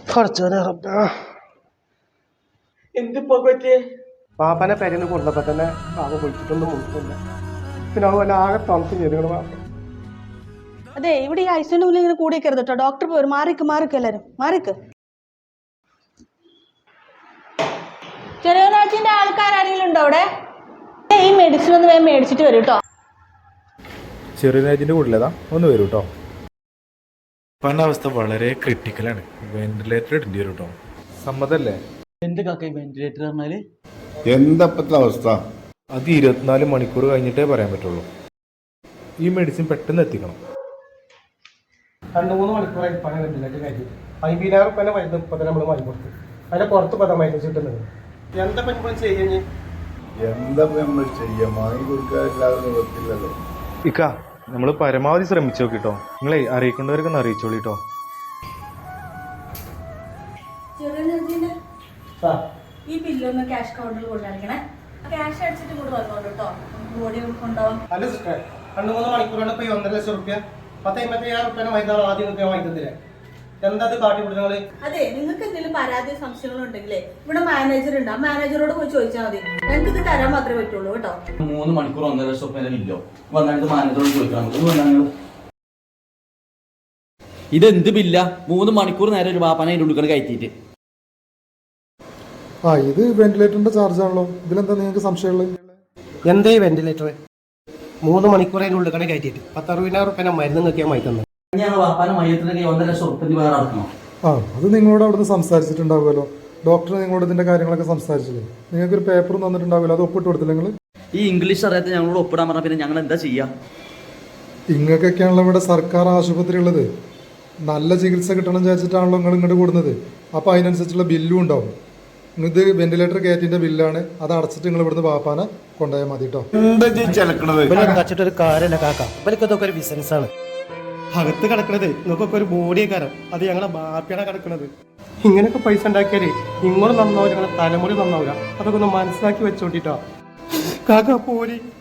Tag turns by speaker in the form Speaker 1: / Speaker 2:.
Speaker 1: എന്തിപ്പോ പറ്റിയേ? പാപ്പനെ പെരന്ന് കൊണ്ടപ്പോ തന്നെ പാപ്പ പൊളിച്ചിട്ടൊന്നും മുട്ടില്ല. പിന്നെ അതുപോലെ ആകെ തണുത്ത് ചെയ്തുകൊണ്ട് പാപ്പ.
Speaker 2: അതെ, ഇവിടെ ഈ ഐസിന്റെ മുന്നിൽ ഇങ്ങനെ കൂടിക്കരുത് കേട്ടോ. ഡോക്ടർ പോയി മാറിക്ക് എല്ലാരും മാറിക്ക്. ചെറിയനാച്ചിന്റെ ആൾക്കാരാരെങ്കിലും ഉണ്ടോ അവിടെ? ഈ മെഡിസിൻ ഒന്ന് വേഗം മേടിച്ചിട്ട് വരും കേട്ടോ.
Speaker 3: ചെറിയനാച്ചിന്റെ കൂടുതലേതാ ഒന്ന് വരൂ കേട്ടോ. പല അവസ്ഥ വളരെ ക്രിട്ടിക്കലാണ്. വെന്റിലേറ്റർ ഇടേണ്ടി വരും കേട്ടോ. സമ്മതല്ലേ?
Speaker 4: എന്ത് കാക്ക വെന്റിലേറ്റർ പറഞ്ഞാല്
Speaker 5: എന്തപ്പത്തെ അവസ്ഥ?
Speaker 3: അത് 24 മണിക്കൂർ കഴിഞ്ഞിട്ടേ പറയാൻ പറ്റുള്ളൂ. ഈ മെഡിസിൻ പെട്ടെന്ന് എത്തിക്കണം.
Speaker 1: 2-3 മണിക്കൂറായി പണി വെന്റിലേറ്റർ കയറ്റി 50,000 റുപ്യ മരുന്ന് ഇപ്പൊ നമ്മൾ വാങ്ങി കൊടുത്തു. അതിന്റെ പുറത്ത് പദം മരുന്ന് കിട്ടുന്നത്. എന്താ പറ്റുമ്പോൾ ചെയ്യുന്നത്?
Speaker 5: എന്താ നമ്മൾ ചെയ്യാം? വാങ്ങി കൊടുക്കാറില്ലാതെ നിവർത്തില്ലല്ലോ.
Speaker 3: ഇക്ക നമ്മൾ പരമാവധി ശ്രമിച്ചു നോക്കിട്ടോ. നിങ്ങളെ അറിയിക്കേണ്ടവർക്ക് അറിയിച്ചോളിട്ടോ.
Speaker 2: ഈ ബില്ലൊന്ന് ക്യാഷ് കൗണ്ടറിൽ കൊണ്ടുവരണേ. ക്യാഷ് അടിച്ചിട്ട് കൂടെ വന്നോട്ടോ. ബോഡി കൊണ്ടുപോകാം.
Speaker 1: അല്ല സിസ്റ്റർ, 2-3 മണിക്കൂറാണ് ഇപ്പൊ 1.5 ലക്ഷം റുപ്യ 10-50,000 റുപ്യ മരുന്നാണ് ആദ്യം വാങ്ങിത്തന്നില്ലേ? എന്താ കാട്ടി കൊടുക്കുന്നത്?
Speaker 2: അതെ, നിങ്ങൾക്ക് എന്തെങ്കിലും പരാതി സംശയങ്ങൾ ഉണ്ടെങ്കിലേ ഇവിടെ മാനേജർ ഉണ്ട്. ആ മാനേജറോട് പോയി ചോദിച്ചാൽ മതി. ഞങ്ങൾക്ക് ഇത് തരാൻ മാത്രമേ പറ്റുള്ളൂ കേട്ടോ.
Speaker 4: 3 മണിക്കൂർ 1.5 ലക്ഷം റുപ്യ ഇല്ലോ വന്നിട്ട് മാനേജറോട് ചോദിക്കണം. ഇതെന്ത് ബില്ല? 3 മണിക്കൂർ നേരം ഒരു ബാപ്പാനെ അതിൻ്റെ ഉള്ളിൽ കയറ്റിയിട്ട്.
Speaker 6: ഇത് വെന്റിലേറ്ററിന്റെ ചാർജ് ആണല്ലോ. ഇതിലെന്താ നിങ്ങൾക്ക് സംശയമുള്ളത്?
Speaker 1: എന്തേ വെന്റിലേറ്റർ 3 മണിക്കൂർ അതിൻ്റെ ഉള്ളിൽ കയറ്റിയിട്ട് 10-60,000 റുപ്യ മരുന്ന് നോക്കിയാൽ വാങ്ങി തന്നെ.
Speaker 4: ബാപ്പാനെ മയത്തിലേക്ക് 1.5 ലക്ഷം റുപ്യ വേറെ അടക്കണം.
Speaker 6: അത് നിങ്ങളോട് അവിടുന്ന് സംസാരിച്ചിട്ടുണ്ടാവുമല്ലോ. ഡോക്ടർ നിങ്ങളോട് ഇതിന്റെ കാര്യങ്ങളൊക്കെ സംസാരിച്ചില്ലേ? നിങ്ങൾക്കൊരു പേപ്പർ തന്നിട്ടുണ്ടാവില്ല, അത് ഒപ്പിട്ട് കൊടുത്തില്ല നിങ്ങൾ?
Speaker 4: ഈ ഇംഗ്ലീഷ് അറിയാത്ത ഞങ്ങളോട് ഒപ്പിടാൻ പറഞ്ഞാൽ പിന്നെ ഞങ്ങൾ എന്താ ചെയ്യാ?
Speaker 6: ഇങ്ങൾക്കൊക്കെയാണല്ലോ ഇവിടെ സർക്കാർ ആശുപത്രി ഉള്ളത്. നല്ല ചികിത്സ കിട്ടണം വിചാരിച്ചിട്ടാണല്ലോ നിങ്ങൾ ഇങ്ങോട്ട് കൂടുന്നത്. അപ്പോൾ അതിനനുസരിച്ചുള്ള ബില്ലും ഉണ്ടാവും. ഇത് വെന്റിലേറ്റർ കയറ്റിന്റെ ബില്ലാണ്. അത് അടച്ചിട്ട് നിങ്ങൾ ഇവിടുന്ന് പാപ്പാനെ കൊണ്ടുപോയാൽ മതി കേട്ടോ.
Speaker 1: ഒരു കാര്യമല്ല കാക്ക, ഇവരൊക്കെ ഒരു ബിസിനസ് ആണ്. അകത്ത് കിടക്കണത് നിങ്ങൾക്കൊക്കെ ഒരു ബോഡിയെ കാരണം അത് ഞങ്ങളെ ബാപ്പിയാണ് കിടക്കണത്. ഇങ്ങനെയൊക്കെ പൈസ ഉണ്ടാക്കിയാലേ ഇങ്ങോട്ട് നന്നാവില്ല, ഞങ്ങളെ തലമുറ നന്നാവില്ല. അതൊക്കെ ഒന്ന് മനസ്സിലാക്കി വെച്ചോട്ടിട്ടോ കാക്ക. പോരി.